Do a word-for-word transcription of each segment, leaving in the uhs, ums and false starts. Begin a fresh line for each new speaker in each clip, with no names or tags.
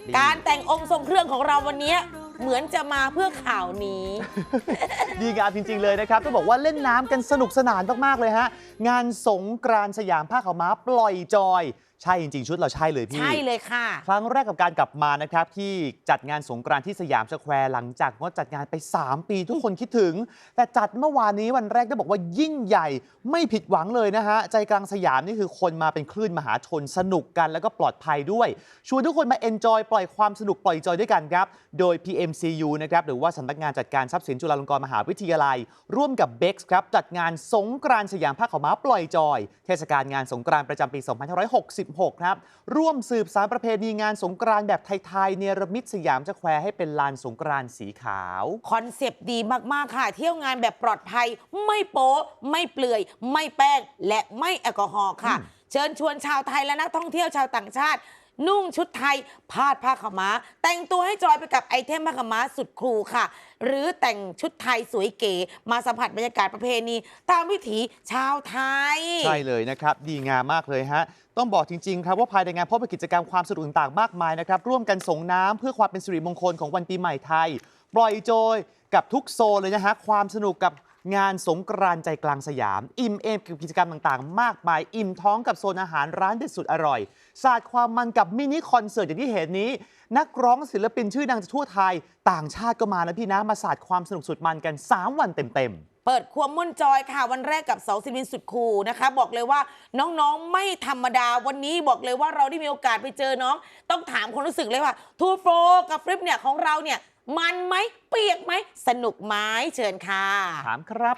การแต่งองค์ทรงเครื่องของเราวันนี้เหมือนจะมาเพื่อข่าวนี้
ดีงามจริงๆเลยนะครับต้องบอกว่าเล่นน้ำกันสนุกสนานมากๆเลยฮะงานสงกรานต์สยามผ้าขาวม้าปล่อยจอยใช่จริงๆชุดเราใช่เลยพี่
ใช่เลยค่ะ
ครั้งแรกกับการกลับมานะครับที่จัดงานสงกรานต์ที่สยามสแควร์หลังจากงดจัดงานไปสามปีทุกคนคิดถึงแต่จัดเมื่อวานนี้วันแรกได้บอกว่ายิ่งใหญ่ไม่ผิดหวังเลยนะฮะใจกลางสยามนี่คือคนมาเป็นคลื่นมหาชนสนุกกันแล้วก็ปลอดภัยด้วยชวนทุกคนมาเอนจอยปล่อยความสนุกปล่อยจอยด้วยกันครับโดย พี เอ็ม ซี ยู นะครับหรือว่าสำนักงานจัดการทรัพย์สินจุฬาลงกรณ์มหาวิทยาลัยร่วมกับ เบ็กซ์ ครับจัดงานสงกรานต์สยามผ้าขาวม้าปล่อยจอยเทศกาลงานสงกรานต์ประจำปี สองพันห้าร้อยหกสิบหก ครับร่วมสืบสานประเพณีงานสงกรานต์แบบไทยๆเนรมิตสยามสแควร์ให้เป็นลานสงกรานต์สีขาว
คอนเซปต์ดีมากๆค่ะเที่ยวงานแบบปลอดภัยไม่โป๊ไม่เปลือยไม่แป้งและไม่แอลกอฮอล์ค่ะเชิญชวนชาวไทยและนักท่องเที่ยวชาวต่างชาตินุ่งชุดไทยพาดผ้าขาวม้าแต่งตัวให้จอยไปกับไอเทมผ้าขาวม้าสุดคูลค่ะหรือแต่งชุดไทยสวยเก๋มาสัมผัสบรรยากาศประเพณีตามวิถีชาวไทย
ใช่เลยนะครับดีงามมากเลยฮะต้องบอกจริงๆครับว่าภายในงานพบกับกิจกรรมความสนุกต่างๆมากมายนะครับร่วมกันส่งน้ำเพื่อความเป็นสิริมงคลของวันปีใหม่ไทยปล่อยโจยกับทุกโซนเลยนะฮะความสนุกกับงานสงกรานต์ใจกลางสยามอิ่มเอมกับกิจกรรมต่างๆมากมายอิ่มท้องกับโซนอาหารร้านเด็ดสุดอร่อยศาสตร์ความมันกับมินิคอนเสิร์ตอย่างที่เห็นนี้นักร้องศิลปินชื่อดังจากทั่วไทยต่างชาติก็มานะพี่นะมาศาสตร์ความสนุกสุดมันกันสามวันเต็มๆ
เปิดครัวม่วนจอยค่ะวันแรกกับเสาศิลปินสุดคูลนะคะบอกเลยว่าน้องๆไม่ธรรมดาวันนี้บอกเลยว่าเราได้มีโอกาสไปเจอน้องต้องถามความรู้สึกเลยว่าทูโฟกับฟลิปเนี่ยของเราเนี่ยมันไหมเปียกไหมสนุกไหมเชิญค่ะ
ถามครับ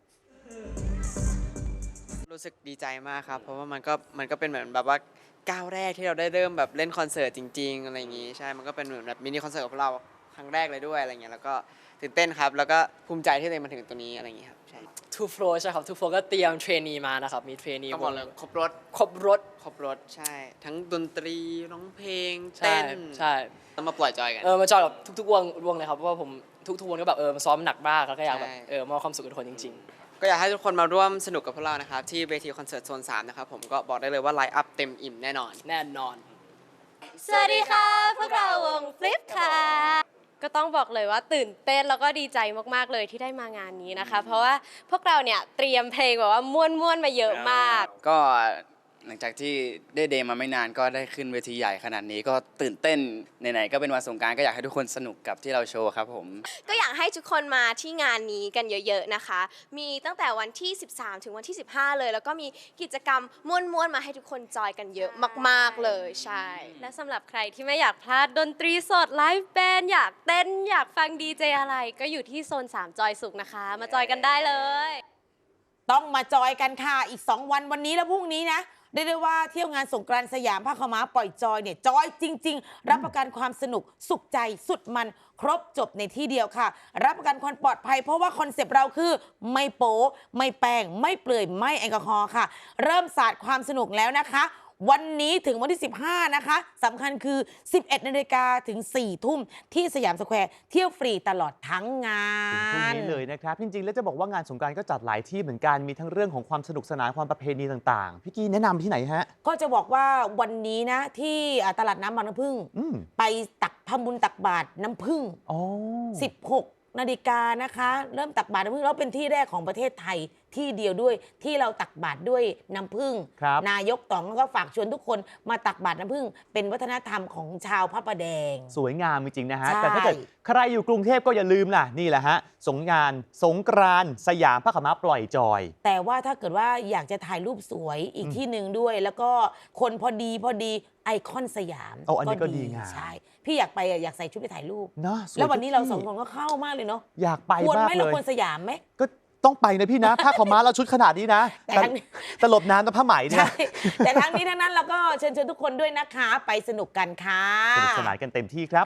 รู้สึกดีใจมากครับเพราะว่ามันก็มันก็เป็นเหมือนแบบว่าก้าวแรกที่เราได้เริ่มแบบเล่นคอนเสิร์ตจริงๆอะไรอย่างงี้ใช่มันก็เป็นเหมือนแบบมินิคอนเสิร์ตของเราครั้งแรกเลยด้วยอะไรเงี้ยแล้วก็ตื่นเต้นครับแล้วก็ภูมิใจที่ตัวเองมาถึงตรงนี้อะไรอย่างงี้ครับใช่
ทูโฟร์ใช่ครับทูโฟร์ก็เตรียมเทรนนีมานะครับมีเทรนนี
ต้องบอกเลยครบรถ
ครบรถ
ครบรถใช่ทั้งดนตรีร้องเพลง
เต้
น
ใช่
ต้องมาปล่อยจอยกัน
เออมาจอยกับทุกๆวงวงเลยครับเพราะว่าผมทุกๆวงก็แบบเออมาซ้อมหนักมากแล้วก็อยากแบบเออมอบความสุขกับทุกคนจริงๆ
ก็อยากให้ทุกคนมาร่วมสนุกกับพวกเรานะครับที่เวทีคอนเสิร์ตโซนสามนะครับผมก็บอกได้เลยว่าไลฟ์อัพเต็มอิ่มแน่นอน
แน่นอน
สวัสดีค่ะพวกเราวงฟลิปค่ะก็ต้องบอกเลยว่าตื่นเต้นแล้วก็ดีใจมากๆเลยที่ได้มางานนี้นะคะเพราะว่าพวกเราเนี่ยเตรียมเพลงแบบว่าม่วนๆมาเยอะมาก
ก็หลังจากที่ได้เดย์มาไม่นานก็ได้ขึ้นเวทีใหญ่ขนาดนี้ก็ตื่นเต้นไหนๆก็เป็นวันสงกรานต์ก็อยากให้ทุกคนสนุกกับที่เราโชว์ครับผม
ก็อยากให้ทุกคนมาที่งานนี้กันเยอะๆนะคะมีตั้งแต่วันที่สิบสามถึงวันที่สิบห้าเลยแล้วก็มีกิจกรรมม่วนๆมาให้ทุกคนจอยกันเยอะมากๆเลยใช่และสำหรับใครที่ไม่อยากพลาดดนตรีสดไลฟ์แบนด์อยากเต้นอยากฟังดีเจอะไรก็อยู่ที่โซนสามจอยสุขนะคะมาจอยกันได้เลย
ต้องมาจอยกันค่ะอีกสองวันวันนี้และพรุ่งนี้นะได้ได้ว่าเที่ยวงานสงกรานต์สยามผ้าขาวม้าปล่อยจอยเนี่ยจอยจริงๆรับประกันความสนุกสุขใจสุดมันครบจบในที่เดียวค่ะรับประกันความปลอดภัยเพราะว่าคอนเซปต์เราคือไม่โป๊ไม่แป้งไม่เปลือยไม่แอลกอฮอล์ค่ะเริ่มศาสตร์ความสนุกแล้วนะคะวันนี้ถึงวันที่สิบห้านะคะสำคัญคือสิบเอ็ดนาฬิกาถึงสี่ทุ่มที่สยามสแควร์เที่ยวฟรีตลอดทั้งงาน
พรุ่งนี้เลยนะครับจริงๆแล้วจะบอกว่างานสงกรานต์ก็จัดหลายที่เหมือนกันมีทั้งเรื่องของความสนุกสนานความประเพณีต่างๆพี่กี้แนะนำที่ไหนฮะ
ก็จะบอกว่าวันนี้นะที่ตลาดน้ำบางน้ำพึ่งไปตักทำบุญตักบาตรน้ำพึ่งสิบหกนาฬิกานะคะเริ่มตักบาตรน้ำพึ่งแล้วเป็นที่แรกของประเทศไทยที่เดียวด้วยที่เราตักบาตรด้วยน้ำผึ้งนายกต๋องก็ฝากชวนทุกคนมาตักบาตรน้ำผึ้งเป็นวัฒนธรรมของชาวพระประแดง
สวยงามจริงๆนะฮะแต่ถ้าเกิดใครอยู่กรุงเทพก็อย่าลืมล่ะนี่แหละฮะสงกรานต์สงกรานต์สยามผ้าขาวม้าปล่อยจอย
แต่ว่าถ้าเกิดว่าอยากจะถ่ายรูปสวยอีกที่หนึ่งด้วยแล้วก็คนพอดีพอดีไอคอนสยาม
โอ้อันนี้ก็ดีงาม
ใช่พี่อยากไปอยากใส่ชุดไปถ่ายรูป
เนาะ
แล้ววันนี้เราสองคนก็เข้ามากเลยเนาะ
อยากไป
มากเลยควรไหมเราควรสยามไหม
ก็ต้องไปนะพี่นะผ้าขาวม้าเราชุดขนาดนี้นะแต่ตลบน้ำกับผ้าไหมเนี่ย
แต่ทั้งนี้ทั้งนั้นเราก็เชิญชวนทุกคนด้วยนะคะไปสนุกกันค่ะ
สนุกสนานกันเต็มที่ครับ